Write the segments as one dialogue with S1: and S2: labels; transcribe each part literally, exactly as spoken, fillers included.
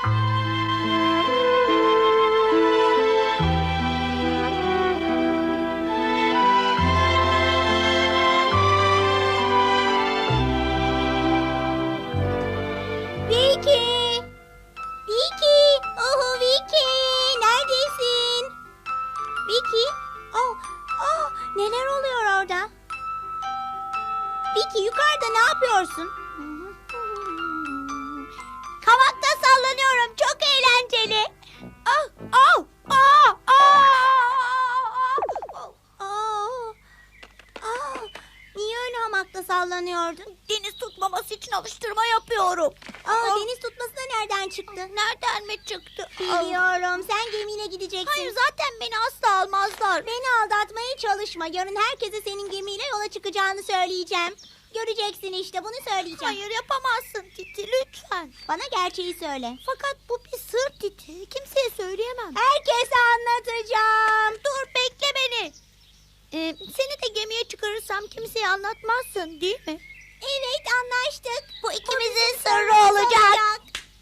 S1: Vicky! Vicky! Oh, Vicky! Neredesin? Vicky? Oh, oh, neler oluyor orada? Vicky, yukarıda ne yapıyorsun? Kavakta sallanıyorum. Çok eğlenceli. Ah, ah, ah, ah, ah, ah, ah. Niye öyle hamakta sallanıyordun?
S2: Deniz tutmaması için alıştırma yapıyorum.
S1: Aa, deniz tutması da nereden çıktı?
S2: Nereden mi çıktı?
S1: Biliyorum. Sen gemiyle gideceksin.
S2: Hayır, zaten beni asla almazlar.
S1: Beni aldatmaya çalışma. Yarın herkese senin gemiyle yola çıkacağını söyleyeceğim. Göreceksin işte, bunu söyleyeceğim.
S2: Hayır, yapamazsın Titi, lütfen.
S1: Bana gerçeği söyle.
S2: Fakat bu bir sır Titi. Kimseye söyleyemem.
S1: Herkese anlatacağım.
S2: Dur, bekle beni. Ee, seni de gemiye çıkarırsam kimseye anlatmazsın, değil mi?
S1: Evet, anlaştık.
S2: Bu ikimizin sırrı olacak.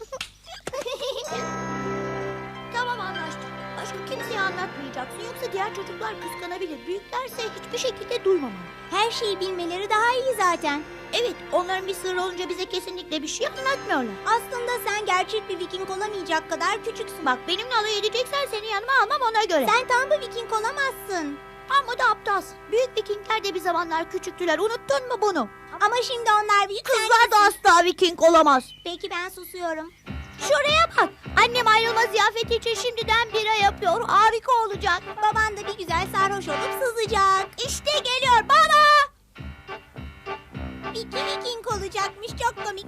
S2: Tamam, anlaştık. Başka kimseye anlatmayacaksın. Yoksa diğer çocuklar kıskanabilir. Büyüklerse hiçbir şekilde duymamalı.
S1: Her şeyi bilmeleri daha iyi zaten.
S2: Evet, onların bir sırrı olunca bize kesinlikle bir şey anlatmıyorlar.
S1: Aslında sen gerçek bir Viking olamayacak kadar küçüksün.
S2: Bak, benimle alay edeceksen seni yanıma almam, ona göre.
S1: Sen tam bir Viking olamazsın.
S2: Amma da aptalsın. Büyük Vikingler de bir zamanlar küçüktüler. Unuttun mu bunu?
S1: Ama şimdi onlar büyük.
S2: Kızlar da asla Viking olamaz.
S1: Peki, ben susuyorum.
S2: Şuraya bak. Annem ayrılma ziyafeti için şimdiden bira yapıyor. Harika olacak.
S1: Baban da bir güzel sarhoş olup sızacak.
S2: İşte geliyor baba.
S1: Vicky Viking olacakmış, çok komik.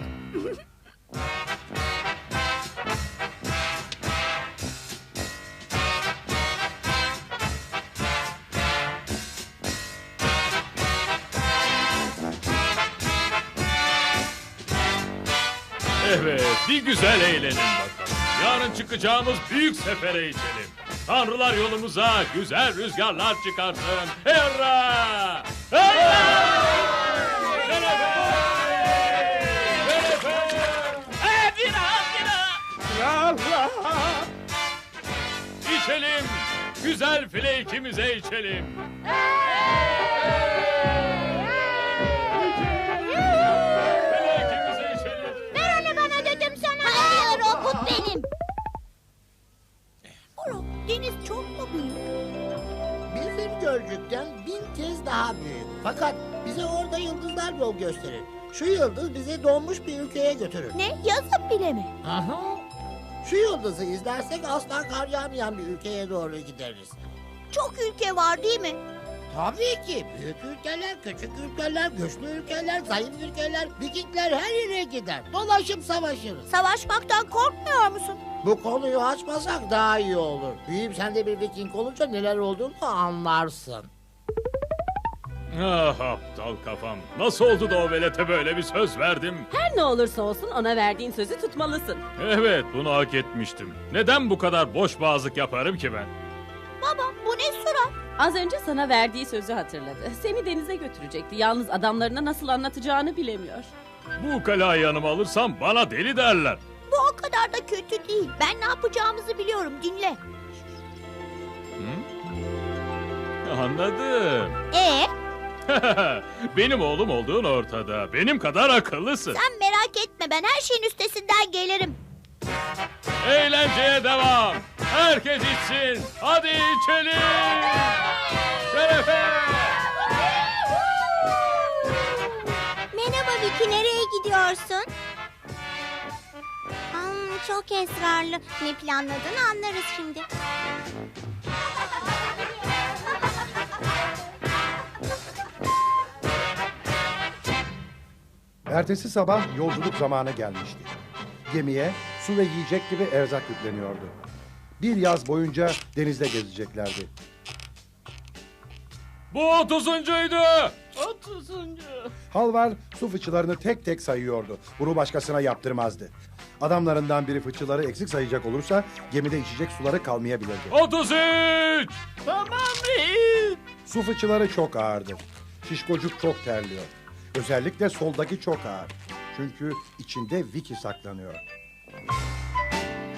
S3: Evet, bir güzel eğlenin bakalım. Yarın çıkacağımız büyük sefere içelim. Tanrılar yolumuza güzel rüzgarlar çıkarsın. Hurra! Hurra! Şerefe! Şerefe!
S4: Ee, bira, bira.
S3: İçelim, güzel flake'imize içelim. Flake'imize içelim.
S1: Ver onu bana dedim sana. Hayır, o kut benim.
S2: Oğlum, deniz çok mu büyük?
S5: Bizim Gölcük'ten bin kez daha büyük. Fakat bize orada yıldızlar yol gösterir. Şu yıldız bizi donmuş bir ülkeye götürür.
S2: Ne? Yazıp bile mi?
S5: Aha. Şu yıldızı izlersek asla kar yağmayan bir ülkeye doğru gideriz.
S2: Çok ülke var değil mi?
S5: Tabii ki büyük ülkeler, küçük ülkeler, güçlü ülkeler, zayıf ülkeler, Vikingler her yere gider. Dolaşıp savaşırız.
S2: Savaşmaktan korkmuyor musun?
S5: Bu konuyu açmasak daha iyi olur. Büyüyüp sen de bir Viking olunca neler olduğunu anlarsın.
S3: Ah aptal kafam. Nasıl oldu da o velete böyle bir söz verdim?
S6: Her ne olursa olsun ona verdiğin sözü tutmalısın.
S3: Evet, bunu hak etmiştim. Neden bu kadar boş boğazlık yaparım ki ben?
S2: Baba, bu ne surat?
S6: Az önce sana verdiği sözü hatırladı. Seni denize götürecekti. Yalnız adamlarına nasıl anlatacağını bilemiyor.
S3: Bu kalayı yanıma alırsam bana deli derler.
S2: Bu o kadar da kötü değil. Ben ne yapacağımızı biliyorum, dinle.
S3: Anladım.
S2: Ee,
S3: Benim oğlum olduğun ortada. Benim kadar akıllısın.
S2: sen merak etme, ben her şeyin üstesinden gelirim.
S3: Eğlenceye devam. Herkes içsin. Hadi içelim. Şerefe.
S1: Merhaba Vicky, nereye gidiyorsun? Hmm, çok esrarlı. Ne planladığını anlarız şimdi.
S7: Ertesi sabah yolculuk zamanı gelmişti. Gemiye su ve yiyecek gibi erzak yükleniyordu. Bir yaz boyunca denizde gezeceklerdi.
S3: Bu otuzuncuydu.
S4: Otuzuncu.
S7: Halvar su fıçılarını tek tek sayıyordu. Bunu başkasına yaptırmazdı. Adamlarından biri fıçıları eksik sayacak olursa gemide içecek suları kalmayabilirdi.
S3: Otuz üç.
S4: Tamam reis.
S7: Su fıçıları çok ağırdı. Şişkocuk çok terliyor. Özellikle soldaki çok ağır. Çünkü içinde Vicky saklanıyor.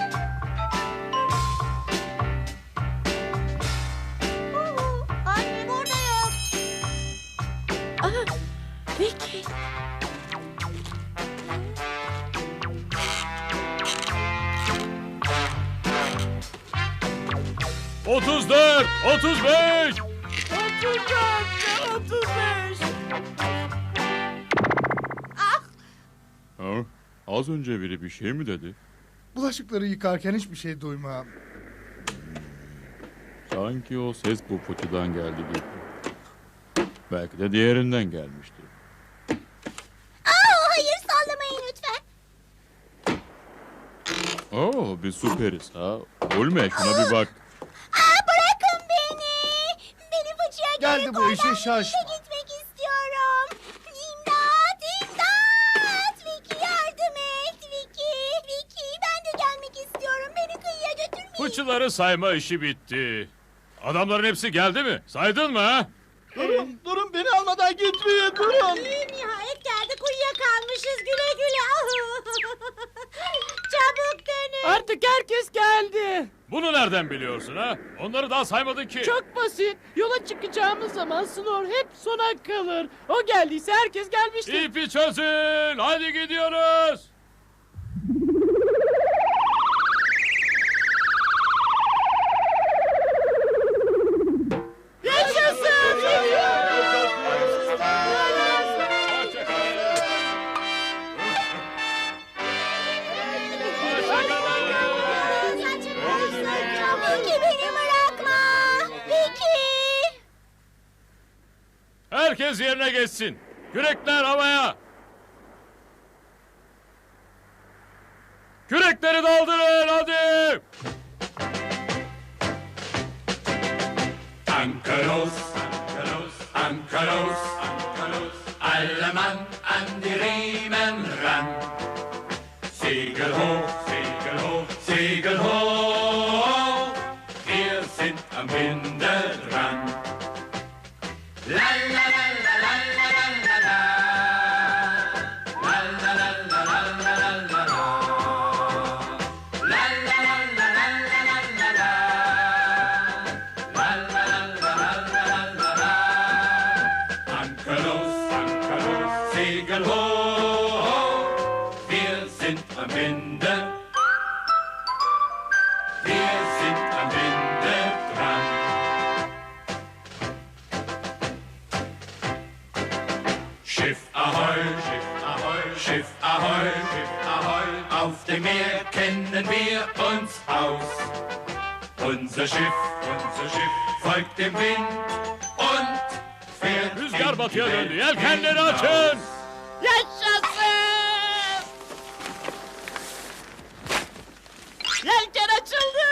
S3: Otuz dört, otuz beş.
S4: Otuz dört, otuz beş.
S3: Ha? Az önce biri bir şey mi dedi?
S8: Bulaşıkları yıkarken hiçbir şey duymam.
S3: Sanki o ses bu fıçıdan geldi gibi. Belki de diğerinden gelmiştir.
S1: Aa, hayır sallamayın lütfen.
S3: Oo, bir süperiz ha. Ulme şuna bir bak.
S1: Aa, bırakın beni. Beni fıçıya
S8: Geldi
S1: geri
S8: bu
S1: koy.
S8: işe
S1: Ben
S8: şaş.
S1: birlikte gitmek istiyorum. İmdat, imdat. Vicky yardım et. Vicky, Vicky ben de gelmek istiyorum. Beni kıyıya götürmeyin.
S3: Fıçıları sayma işi bitti. Adamların hepsi geldi mi? Saydın mı ha?
S4: Durun, durun beni almadan gitmeyin, durun.
S1: Nihayet geldik, uyuyakalmışız, güle güle. Çabuk dönün.
S4: Artık herkes geldi.
S3: Bunu nereden biliyorsun ha? Onları daha saymadın ki.
S4: Çok basit. Yola çıkacağımız zaman Snor hep sona kalır. O geldiyse herkes gelmiştir.
S3: İpi çözün. Hadi gidiyoruz.
S4: Yaşasın!
S1: Vicky beni bırakma. Vicky.
S3: Herkes yerine geçsin. Kürekler havaya. Kürekleri daldırın hadi.
S9: Ankelos, Ankelos, Ankelos, Ankelos, alle Mann an die Riemen ran. Segel hoch, Segel hoch, Segel hoch, wir sind am Winde dran. La la la la la la la la la. La la la la la la la la la. La la la la la la la la la. La la la la la la la la. Ankelos, Ankelos, Segel hoch, wir sind am Winde. Wir sind am Winde dran. Schiff ahoi, Schiff ahoi, Schiff ahoi, Schiff ahoi. Auf dem Meer kennen wir uns aus. Unser Schiff, unser Schiff folgt dem Wind und fährt
S3: Rüzgar
S9: in die
S3: batıya döndü.
S9: Welt
S3: Yelkenleri
S9: hinaus.
S3: açın.
S4: Yaşasın! Yelken açıldı!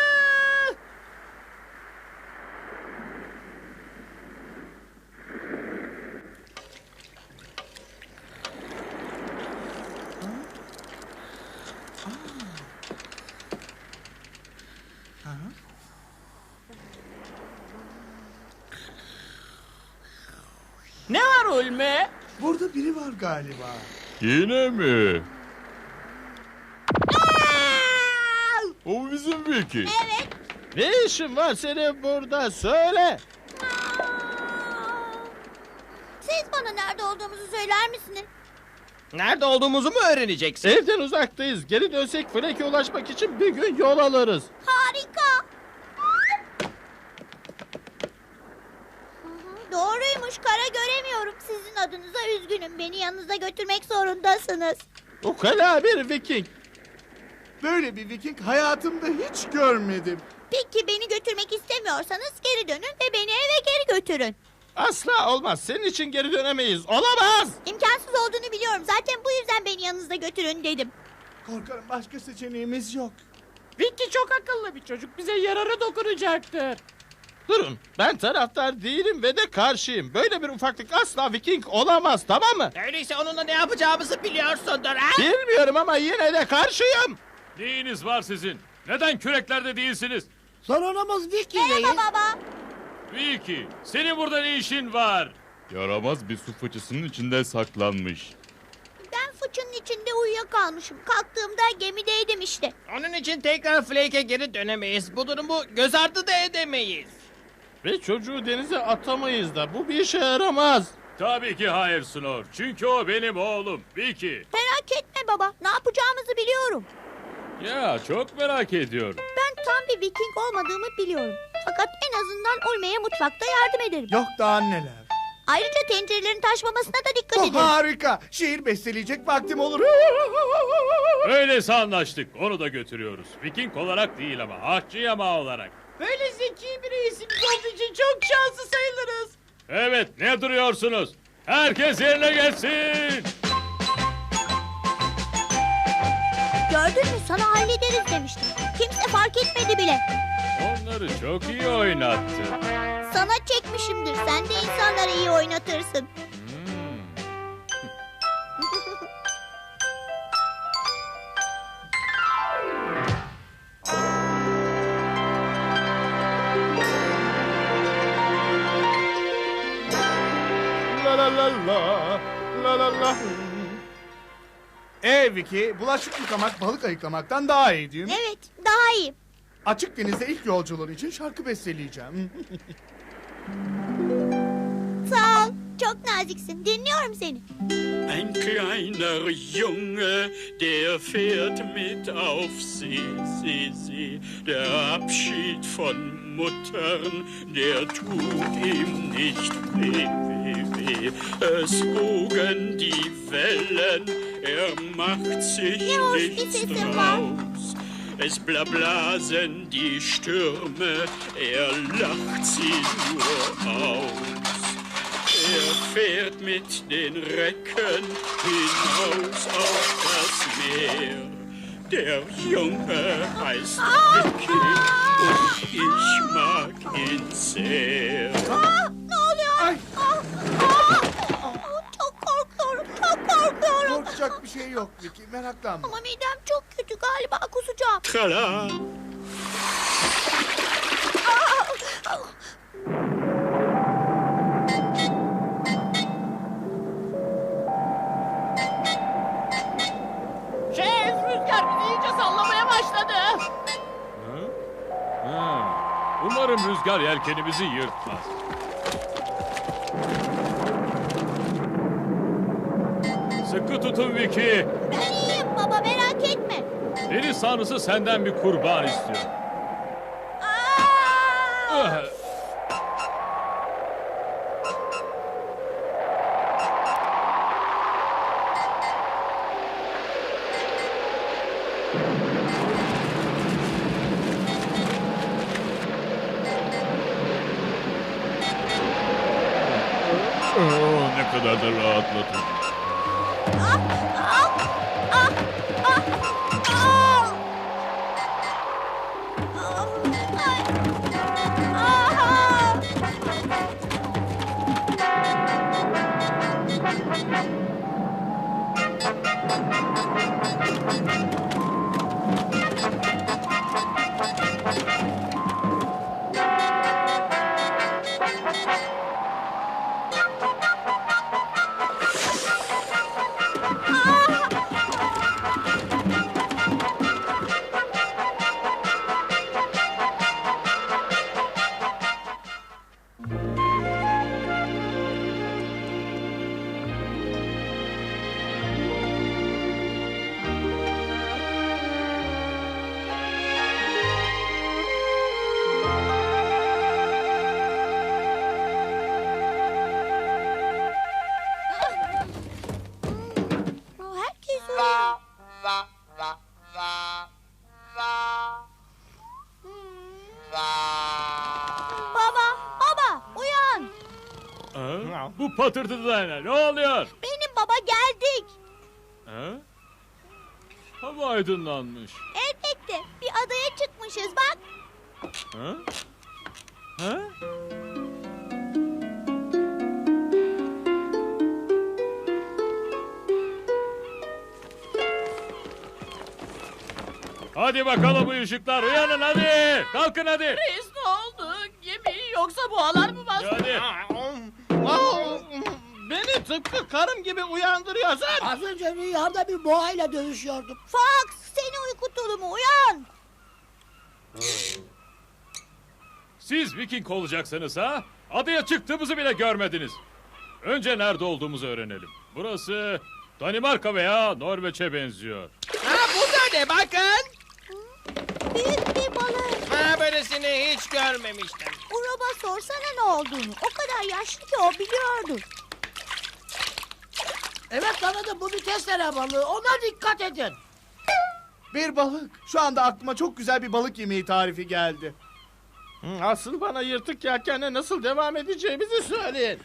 S4: Ne var Ulme?
S8: Burada biri var galiba.
S3: Yine mi? O bizim Vicky.
S1: Evet.
S4: Ne işin var senin burada? Söyle.
S2: Siz bana nerede olduğumuzu söyler misiniz?
S4: Nerede olduğumuzu mu öğreneceksin? Evden uzaktayız. Geri dönsek Flake'e ulaşmak için bir gün yol alırız.
S2: Harika. Hı hı, Doğruymuş, kara göremiyorum. Sizin adınıza üzgünüm. Beni yanınıza götürmek zorundasınız.
S4: Ukala bir Viking.
S8: Böyle bir Viking hayatımda hiç görmedim.
S2: Peki beni götürmek istemiyorsanız geri dönün ve beni eve geri götürün.
S4: Asla olmaz. Senin için geri dönemeyiz. Olamaz.
S2: İmkansız olduğunu biliyorum. Zaten bu yüzden beni yanınızda götürün dedim.
S8: Korkarım başka seçeneğimiz yok.
S4: Vicky çok akıllı bir çocuk. Bize yararı dokunacaktır. Durun. Ben taraftar değilim ve de karşıyım. Böyle bir ufaklık asla Viking olamaz, tamam mı?
S10: Öyleyse onunla ne yapacağımızı biliyorsundur ha?
S4: Bilmiyorum ama yine de karşıyım.
S3: Neyiniz var sizin? Neden küreklerde değilsiniz?
S5: Sorunumuz Vicky'leyiz.
S2: Merhaba baba.
S3: Vicky, senin burada ne işin var? Yaramaz bir su fıçısının içinde saklanmış.
S2: Ben fıçının içinde uyuyakalmışım. Kalktığımda gemideydim işte.
S10: Onun için tekrar Flake'e geri dönemeyiz. Bu durumu göz ardı da edemeyiz.
S4: Ve çocuğu denize atamayız da bu bir işe yaramaz.
S3: Tabii ki hayır Snor. Çünkü o benim oğlum. Vicky.
S2: Merak etme baba. Ne yapacağımızı biliyorum.
S3: Ya çok merak ediyorum.
S2: Ben tam bir Viking olmadığımı biliyorum. Fakat en azından Ulme'ye mutfakta yardım ederim.
S8: Yok daha neler.
S2: Ayrıca tencerelerin taşmamasına da dikkat
S8: Bu
S2: ederim.
S8: harika. Şiir besteleyecek vaktim olur.
S3: Öyleyse anlaştık. Onu da götürüyoruz. Viking olarak değil ama ahçı yamağı olarak.
S10: Böyle zeki bir reisimiz olduğu için çok şanslı sayılırız.
S3: Evet, ne duruyorsunuz? Herkes yerine gelsin.
S2: Gördün mü, sana hallederiz demiştim. Kimse fark etmedi bile.
S3: Onları çok iyi oynattı.
S2: Sana çekmişimdir. Sen de insanları iyi oynatırsın.
S3: Hmm.
S8: La la la la. La la la. Ee Vicky, bulaşık yıkamak balık ayıklamaktan daha iyi değil mi?
S2: Evet, daha iyi.
S8: Açık denizde ilk yolculuğun için şarkı besteleyeceğim.
S2: Sağ ol. Çok naziksin. Dinliyorum seni.
S9: Ein kleiner Junge, der fährt mit auf See, See, See. Der Abschied von Muttern, der tut ihm nicht weh, weh, weh. Es wogen die Wellen, er macht sich
S2: Ne hoş bir
S9: nichts
S2: sesin var.
S9: draus. Es blablasen die Stürme, er lacht sie nur aus. Er fährt mit den Recken hinaus auf das Meer. Der Junge heißt Vicky und ich mag ihn sehr.
S2: Aa, ne oluyor?
S8: Ay,
S2: Aa, aa. Çok korkuyorum. Çok korkuyorum.
S8: korkacak bir şey yok Vicky, meraklanma.
S2: Ama midem çok kötü. Galiba kusacağım.
S9: Trala.
S10: Şef, rüzgar bizi iyice sallamaya başladı.
S3: Ha? Ha. Umarım rüzgar yelkenimizi yırtmaz. Sıkı tutun Vicky.
S2: Ben iyiyim baba, merak etme.
S3: Deniz tanrısı senden bir kurban istiyor.
S2: Aa!
S3: Ah! Oh, ne kadar da rahatladım.
S2: Ah, ah, ah, ah, ah. Ah, ay. Ah. Herkes uyuyor. Baba, baba, uyan.
S3: Ha? Bu patırtıda ne? Ne oluyor?
S2: Benim baba, geldik.
S3: Ha? Hava aydınlanmış.
S2: Elbette bir adaya çıkmışız bak.
S3: Ha? Ha? Hadi bakalım bu ışıklar, uyanın hadi. Kalkın hadi.
S10: Reis ne oldu? Gemi yoksa boğalar mı bastı?
S3: Hadi.
S4: Aa, beni tıpkı karım gibi uyandırıyorsun.
S5: Az önce rüyamda bir boğayla dövüşüyordum.
S2: Fox, seni uyku tulumu, uyan.
S3: Siz Viking olacaksınız ha? Adaya çıktığımızı bile görmediniz. Önce nerede olduğumuzu öğrenelim. Burası Danimarka veya Norveç'e benziyor.
S10: Ha bu da ne bakın.
S2: Büyük bir balık.
S10: Ha böylesini hiç görmemiştim.
S2: Urob'a sorsana ne olduğunu. O kadar yaşlı ki o biliyordu.
S5: Evet anladım, bu bir testere balığı. Ona dikkat edin.
S8: Bir balık. Şu anda aklıma çok güzel bir balık yemeği tarifi geldi.
S4: Hı, Asıl bana yırtık yelkenle nasıl devam edeceğimizi söyleyin.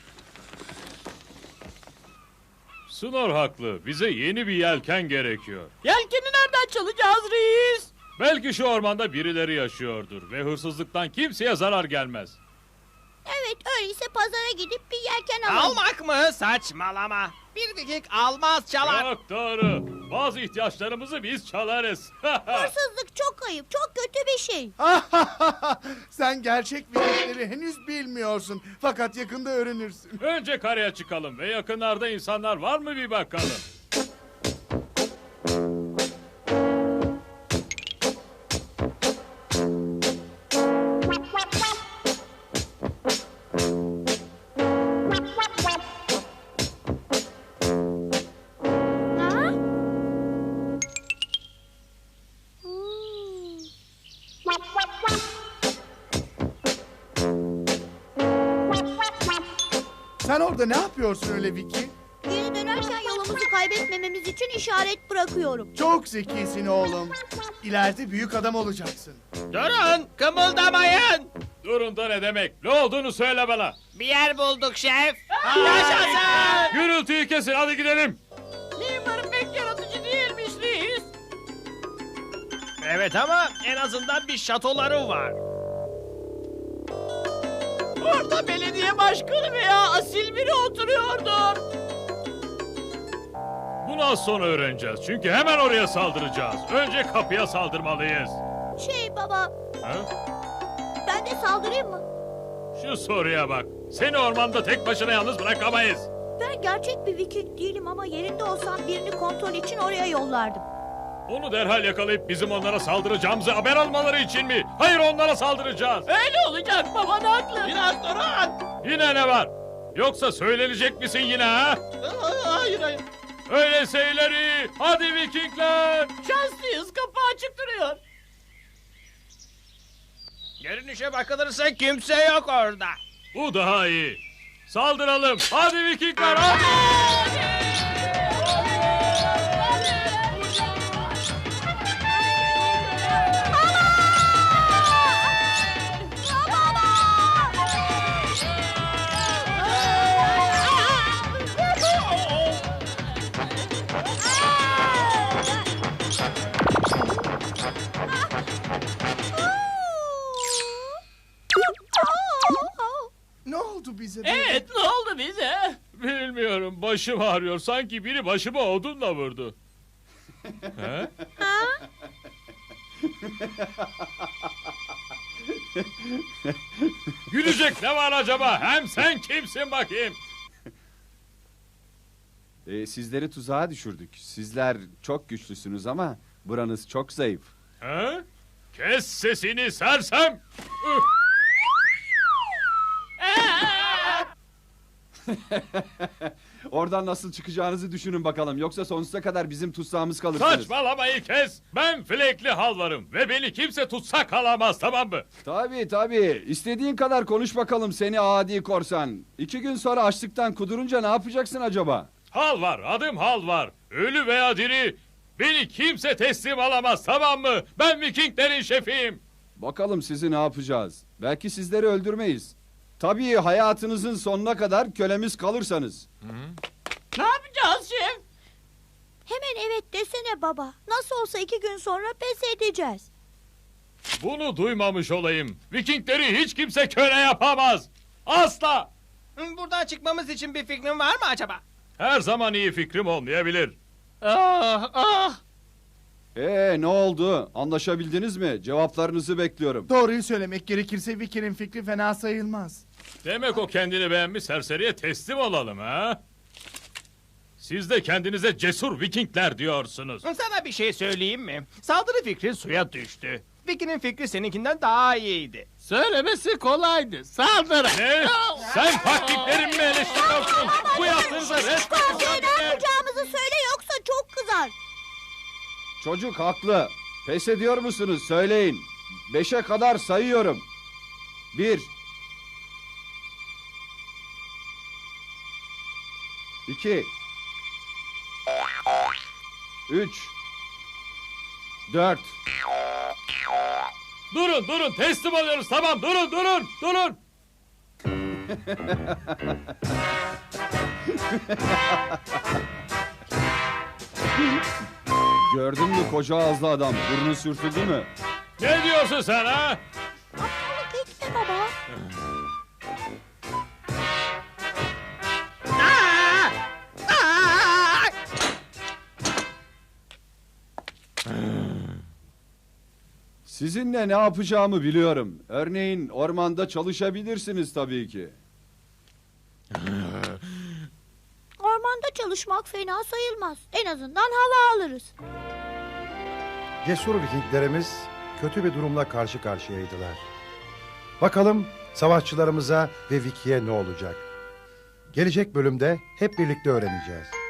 S3: Snor haklı. Bize yeni bir yelken gerekiyor.
S10: Yelkeni nereden çalacağız reis?
S3: Belki şu ormanda birileri yaşıyordur ve hırsızlıktan kimseye zarar gelmez.
S2: Evet öyleyse pazara gidip bir yelken alalım.
S10: Almak mı? Saçmalama. Bir Viking almaz çalar.
S3: Çok doğru. Bazı ihtiyaçlarımızı biz çalarız.
S2: Hırsızlık çok ayıp, çok kötü bir şey.
S8: Sen gerçek Vikingleri henüz bilmiyorsun. Fakat yakında öğrenirsin.
S3: Önce karaya çıkalım ve yakınlarda insanlar var mı bir bakalım.
S2: Ha?
S8: Sen orada ne yapıyorsun öyle Vicky?
S2: Geri dönerken yolumuzu kaybetmememiz için işaret bırakıyorum.
S8: Çok zekisin oğlum. İleride büyük adam olacaksın.
S10: Durun kımıldamayın.
S3: Durun da ne demek? Ne olduğunu söyle bana.
S10: Bir yer bulduk şef. Yaşasın.
S3: Gürültüyü kesin, hadi gidelim.
S10: Limar'ın pek yaratıcı değilmiş reis. Evet ama en azından bir şatoları var. Orada belediye başkanı veya asil biri oturuyordu.
S3: Bunu az sonra öğreneceğiz. Çünkü hemen oraya saldıracağız. Önce kapıya saldırmalıyız.
S2: Şey baba,
S3: Ha?
S2: ben de saldırayım mı?
S3: Şu soruya bak. Seni ormanda tek başına yalnız bırakamayız.
S2: Ben gerçek bir Viking değilim ama yerinde olsam birini kontrol için oraya yollardım.
S3: Onu derhal yakalayıp bizim onlara saldıracağımızı haber almaları için mi? Hayır, onlara saldıracağız.
S10: Öyle olacak baban haklı. Biraz durun.
S3: Yine ne var? Yoksa söylenecek misin yine ha?
S4: Hayır hayır.
S3: Öyleyse ileri. Hadi Vikingler.
S10: Şanslıyız kapı açık duruyor. Görünüşe bakılırsa kimse yok orada.
S3: Bu daha iyi. Saldıralım. Hadi Vikingler, hadi.
S8: Ne oldu bize? böyle?
S10: Evet ne oldu bize?
S3: Bilmiyorum, başım ağrıyor. Sanki biri başıma odunla vurdu. He? Gülecek ne var acaba? Hem sen kimsin bakayım?
S11: Ee, sizleri tuzağa düşürdük. Sizler çok güçlüsünüz ama buranız çok zayıf.
S3: He? Kes sesini sersem. Üh!
S11: Oradan nasıl çıkacağınızı düşünün bakalım. Yoksa sonsuza kadar bizim tutsağımız kalırsınız.
S3: Saçmalamayı kes. Ben Flekli Halvarım ve beni kimse tutsak alamaz, tamam mı?
S11: Tabii tabii. İstediğin kadar konuş bakalım seni adi korsan. İki gün sonra açlıktan kudurunca ne yapacaksın acaba?
S3: Hal var, adım Hal var. Ölü veya diri. Beni kimse teslim alamaz, tamam mı? Ben Vikinglerin şefiyim.
S11: Bakalım sizi ne yapacağız. Belki sizleri öldürmeyiz. Tabii hayatınızın sonuna kadar kölemiz kalırsanız.
S10: Ne yapacağız şef?
S2: Hemen evet desene baba. Nasıl olsa iki gün sonra pes edeceğiz.
S3: Bunu duymamış olayım. Vikingleri hiç kimse köle yapamaz. Asla.
S10: Buradan çıkmamız için bir fikrin var mı acaba?
S3: Her zaman iyi fikrim olmayabilir.
S10: Ah ah.
S11: Ee ne oldu? Anlaşabildiniz mi? Cevaplarınızı bekliyorum.
S8: Doğruyu söylemek gerekirse Vicky'nin fikri fena sayılmaz.
S3: Demek o kendini beğenmiş serseriye teslim olalım ha? Siz de kendinize cesur Vikingler diyorsunuz.
S4: Sana bir şey söyleyeyim mi? Saldırı fikri suya düştü. Vicky'nin fikri seninkinden daha iyiydi. Söylemesi kolaydı. Saldır.
S3: Ne? Sen taktiklerimi mi eleştiriyorsun? Bu yaptığınıza resmen
S2: Kahveye ne yapacağımızı söyle yoksa çok kızar.
S11: Çocuk haklı. Pes ediyor musunuz? Söyleyin. Beşe kadar sayıyorum. Bir. İki. Üç. Dört.
S3: Durun durun teslim oluyoruz tamam durun durun durun.
S11: Gördün mü koca ağızlı adam? Burnu sürtüldü mü?
S3: Ne diyorsun sen ha?
S2: Aptallık etme baba.
S11: Sizinle ne yapacağımı biliyorum. Örneğin ormanda çalışabilirsiniz tabii ki.
S2: Ormanda çalışmak fena sayılmaz. En azından hava alırız.
S7: Cesur Vikinglerimiz kötü bir durumla karşı karşıyaydılar. Bakalım savaşçılarımıza ve Vicky'ye ne olacak? Gelecek bölümde hep birlikte öğreneceğiz.